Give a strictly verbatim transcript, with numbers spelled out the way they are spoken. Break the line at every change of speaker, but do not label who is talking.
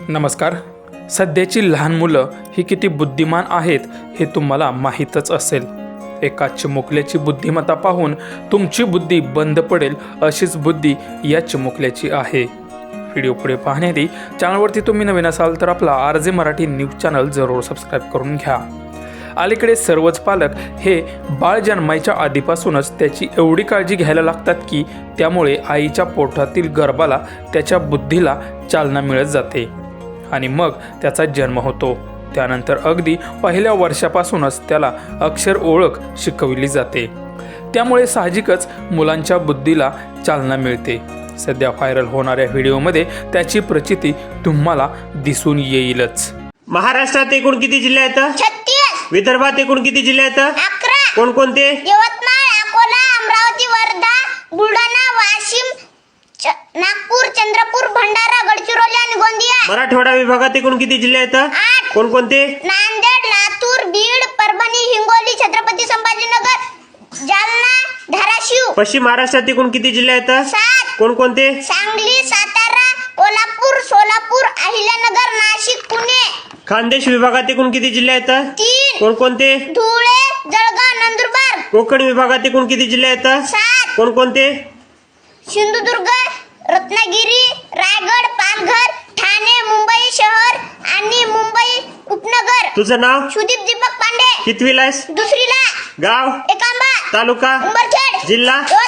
नमस्कार. सध्याची लहान मुलं ही किती बुद्धिमान आहेत हे तुम्हाला माहीतच असेल. एका चिमुकल्याची बुद्धिमत्ता पाहून तुमची बुद्धी बंद पडेल अशीच बुद्धी या चिमुकल्याची आहे. व्हिडिओ पुढे पाहण्याआधी चॅनलवरती तुम्ही नवीन असाल तर आपला R J Marathi news channel जरूर सबस्क्राईब करून घ्या. अलीकडे सर्वच पालक हे बाळ जन्मायच्या आधीपासूनच त्याची एवढी काळजी घ्यायला लागतात की त्यामुळे आईच्या पोटातील गर्भाला त्याच्या बुद्धीला चालना मिळत जाते आणि मग त्याचा जन्म होतो. त्यानंतर अगदी पहिल्या वर्षापासूनच त्याला अक्षर ओळख शिकवली जाते. त्यामुळे साहजिकच मुलांच्या बुद्धीला चालना मिळते. सध्या व्हायरल होणाऱ्या व्हिडिओमध्ये त्याची प्रचिती तुम्हाला दिसून येईलच.
महाराष्ट्रात एकूण किती जिल्हे आहेत?
छत्तीस.
विदर्भात एकूण किती जिल्हे आहेत?
अकरा.
कोणकोणते?
यवतमाळ, अकोला, अमरावती, वर्धा, बुलढाणा, वाशिम, नागपूर, चंद्रपूर, भंडारा, गडचिरोली आणि गोंदिया.
मराठवाडा विभागात एकूण किती जिल्हे आहेत?
आठ.
कोणकोणते?
नांदेड, लातूर, बीड, परभणी, हिंगोली, छत्रपती संभाजीनगर, जालना, धाराशिव.
पश्चिम महाराष्ट्रात एकूण किती जिल्हे आहेत?
सात.
कोणकोणते?
सांगली, सातारा, कोल्हापूर, सोलापूर, अहिल्यानगर, नाशिक, पुणे.
खानदेश विभागात एकूण किती जिल्हे आहेत?
तीन.
कोणकोणते?
धुळे, जळगाव, नंदुरबार.
कोकण विभागात एकूण किती जिल्हे आहेत?
सात.
कोणकोणते?
सिंधुदुर्ग, रत्नागिरी, रायगड, पालघर, ठाणे, मुंबई शहर आणि मुंबई उपनगर.
तुझं नाव?
सुदीप दीपक पांडे.
कितवीला आहेस?
दुसरीला.
गाव?
एकांबा.
तालुका?
उंबरखेड.
जिल्हा?